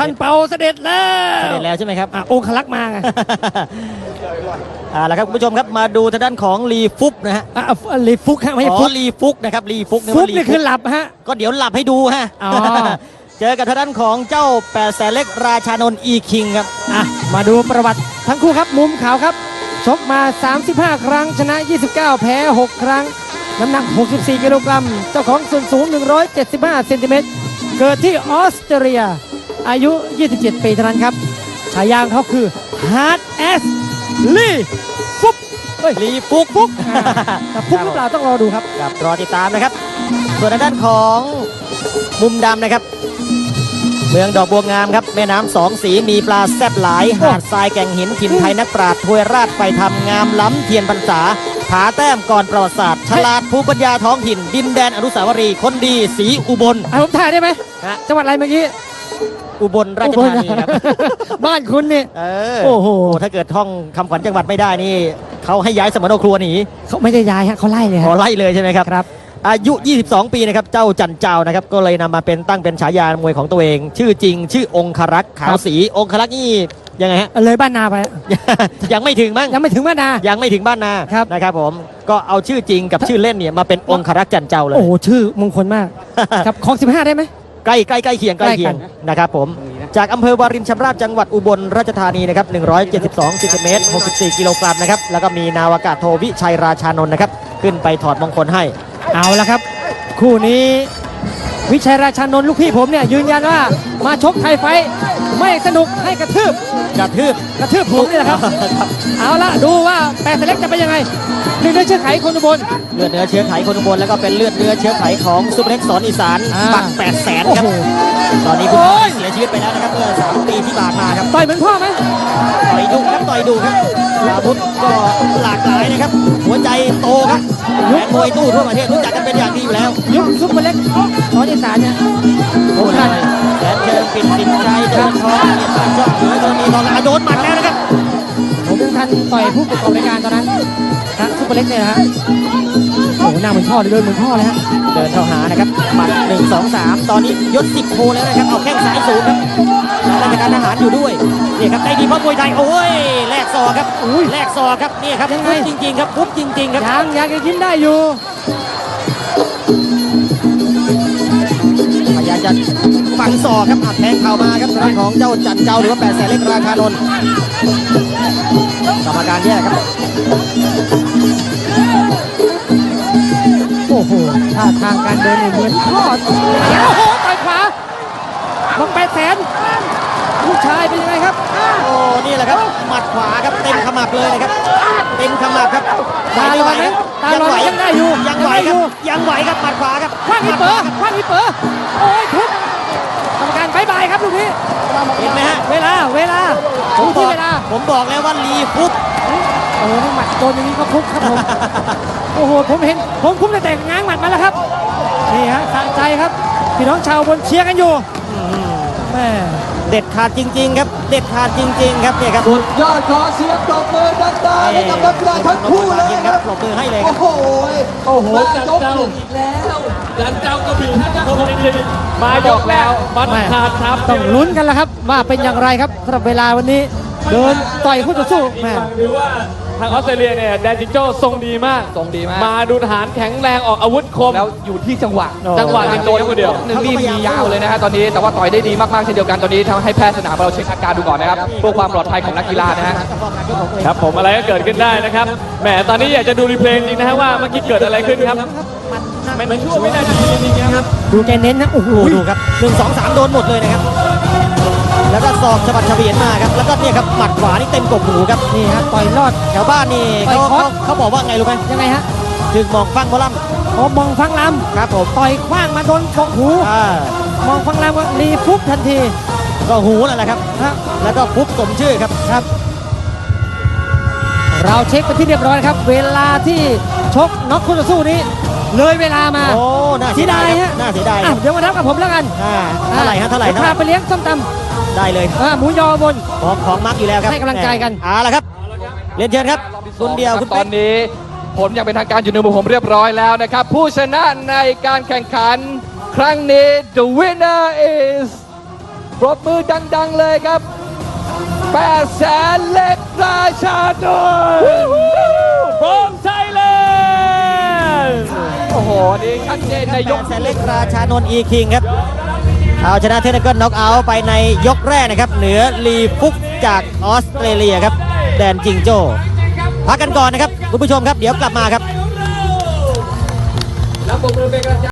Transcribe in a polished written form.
ท่านเปาเสด็จแล้วเสด็จแล้วใช่ไหมครับองคลักษ์มาไงแล้วครับคุณผู้ชมครับมาดูทางด้านของลีฟุกนะฮะลีฟุกฮะไม่ใช่ฟุกลีฟุกนะครับลีฟุกฟุกนี่คือหลับฮะก็เดี๋ยวหลับให้ดูฮะเจอกับทางด้านของเจ้า8 แสนเล็กราชานนท์อีคิงครับมาดูประวัติทั้งคู่ครับมุมขาวครับชกมา35ครั้งชนะ29แพ้6ครั้งน้ำหนัก64กิโลกรัมเจ้าของส่วนสูง175เซนติเมตรเกิดที่ออสเตรเลียอายุ27ปีเท่านั้นครับฉายาเขาคือ Hard As ลีฟุกลีฟุกแต่ฟุกหรือเปล่าต้องรอดูครับรอติดตามนะครับส่วนทางด้านของมุมดำนะครับเมืองดอกบัวงามครับแม่น้ำ2 สีมีปลาแซ่บหลายหาดทรายแก่งหินถิ่นไทยนักปราชญ์ถวยราชไฟธรรมงามล้ำเทียนพรรษาผาแต้มก่อนประวัติศาสตร์ฉลาดภูมิปัญญาท้องถิ่นดินแดนอนุสาวรีย์คนดีสีอุบลผมถ่ายได้ไหมจังหวัดอะไรเมื่อกี้อุบลราชธานีครับบ้านคุณนี่โอ้โหถ้าเกิดท่องคำขวัญจังหวัดไม่ได้นี่เขาให้ย้ายสมโนครัวหนีเขาไม่ได้ย้ายฮะเขาไล่เลยไล่เลยใช่ไหมครับอายุ22ปีนะครับเจ้าจันเจ้านะครับก็เลยนำมาตั้งเป็นฉายามวยของตัวเองชื่อจริงชื่อองครักษ์ขาวศรีองครักษ์นี่ยังไงฮะเลยบ้านนาไปยังไม่ถึงมั้งยังไม่ถึงบ้านนายังไม่ถึงบ้านนานะครับผมก็เอาชื่อจริงกับชื่อเล่นเนี่ยมาเป็นองครักษ์จันเจ้าเลยโอ้ชื่อมงคลมากครับของ15ได้ไหมใกล้เคียงนะครับผมจากอำเภอวารินชำราบจังหวัดอุบลราชธานีนะครับ172เซนติเมตร64กิโลกรัมนะครับแล้วก็มีนาวากาศโทวิชัยราชานนท์นะครับขึ้นไปถอดมงคลให้เอาละครับคู่นี้วิชัยราชานนท์ลูกพี่ผมเนี่ยยืนยันว่ามาชกไทยไฟไม่สนุกให้กระทืบผมนี่แหละครับเอาละดูว่า8 แสนเล็กจะเป็นยังไงเลือดเนื้อเชื้อไขคนอุบลเลือดเนื้อเชื้อไขคนอุบลแล้วก็เป็นเลือดเนื้อเชื้อไขของซุปเปอร์เล็กสอนอีสานปัก8 แสนครับตอนนี้คุณพ่อเสียชีวิตไปแล้วนะครับเมื่อ3 ปีที่ผ่านมาครับต่อยเหมือนพ่อไหมต่อยดุครับอาวุธก็หลากหลายนะครับหัวใจโตครับแฟนมวยตู้ทั่วประเทศรู้จักกันเป็นอย่างดีอยู่แล้วยุคซุปเปอร์เล็กสอนอีสานเนี่ยโอ้ยแสนเชิงปิดสินชัยเดินทองเนี่ยชอบเหนือตอนนี้ตอนโดนหมัดแล้วนะครับผมเป็นท่านต่อยผู้ประกอบรายการตอนนั้นทั้งซุปเปอร์เล็กเนี่ยนะฮะโอ้หน้าเหมือนพ่อเลยเดินเหมือนพ่อเลยฮะเดินเข้าหานะครับหมัด1 2 3ตอนนี้ยศ10 โคแล้วนะครับเอาแข้งซ้ายสูงครับราชการทหารอยู่ด้วยนี่ครับได้ดีเพราะมวยไทยโอ้ยแลกศอกครับแลกศอกครับนี่ครับยังไงจริงๆครับปุ๊บจริงๆครับยังจะยิ้มได้อยู่พยายามจะฝังศอกครับอัดแทงเข่ามาครับทางของเจ้าจันเจ้าหรือว่า8 แสนเล็กราชานนท์กรรมการแยกครับโอ้โหท่าทางการเดินเหมือนพ่อโอ้โหต่อยขวาบัง8 แสนลูกชายเป็นยังไงครับโอ้นี่แหละครับหมัดขวาครับเต็มขมับเลยนะครับเต็มขมับครับตาลอยไหมตาลอยยังได้อยู่ยังไหวครับหมัดขวาครับคว้างอีเป๋อโอ้ยทุบกรรมการบายบายครับลูกนี้เห็นไหมฮะเวลาผมบอกแล้วว่าลีฟุกโอ้หมัดโดนอย่างนี้ก็ฟุกครับผมโอ้โหผมเห็นผมคุ้มแต่ง้างหมัดมาแล้วครับนี่ฮะสะใจครับพี่น้องชาวบนเชียร์กันอยู่แม่เด็ดขาดจริงๆครับเด็ดขาดจริงๆครับเนี่ยครับสุดยอดขอเสียงปรบมือดังๆให้กับนักกีฬาทั้งคู่เลยครับปรบมือให้เลยโอ้โหจันเจ้าอีกแล้วจันเจ้าก็บีบมาหยอกแล้วมัดขาดครับต้องลุ้นกันแล้วครับว่าเป็นอย่างไรครับสำหรับเวลาวันนี้เดินต่อยคู่ต่อสู้แม่หรือว่าทางออสเตรเลียเนี่ยแดนจิงโจ้ทรงดีมากมาดูทหารแข็งแรงออกอาวุธคมแล้วอยู่ที่จังหวะเป็นตัวคนเดียว 1นี่มียาวเลยนะฮะตอนนี้แต่ว่าต่อยได้ดีมากๆเช่นเดียวกันตอนนี้ทำให้แพทย์สนามเราเช็คอาการดูก่อนนะครับเพื่อความปลอดภัยของนักกีฬานะฮะครับผมอะไรก็เกิดขึ้นได้นะครับแหมตอนนี้อยากจะดูรีเพลย์จริงนะฮะว่าเมื่อกี้เกิดอะไรขึ้นครับมันช่วงไม่ได้จริงๆครับดูแกเน้นนะโอ้โหดูครับ1 2 3โดนหมดเลยนะครับแล้วก็ศอกฉบับเฉวียนมาครับแล้วก็เนี่ยครับหมัดขวานี่เต็มกบหูครับนี่ฮะต่อยรอดแถวบ้านนี่เขาบอกว่าไงรู้ไหมยังไงฮะถึงมองฟังหมอลำมองฟังลำครับผมต่อยคว้างมาโดนกบหูมองฟังลำก็รีฟุบทันทีก็หูนั่นแหละครับแล้วก็ฟุบสมชื่อครับเราเช็คไปที่เรียบร้อยครับเวลาที่ชกน็อกคู่ต่อสู้นี้เลยเวลามาโอ้น่าเสียดายฮะน่าเสียดายเดี๋ยวมานับกับผมแล้วกันเท่าไหร่พาไปเลี้ยงส้มตำได้เลยหมูยอบนของมักอยู่แล้วครับให้กำลังใจกันละครับเรียนเชิญครับคุณเดียวตอนนี้ผลอย่างเป็นทางการอยู่ในมือผมเรียบร้อยแล้วนะครับผู้ชนะในการแข่งขันครั้งนี้ the winner is ปรบมือดังๆเลยครับ8 แสนเล็กราชานนท์ from Thailand โอ้โห นี่ชัดเจนในยกแสนเล็กราชานนท์อีคิงครับเอาชนะเทคนิคน็อกเอาท์ไปในยกแรกนะครับเหนือลีฟุกจากออสเตรเลียครับแดนจิงโจ้พักกันก่อนนะครับคุณผู้ชมครับเดี๋ยวกลับมาครับแล้วปรบมือเป็นกำลังใจ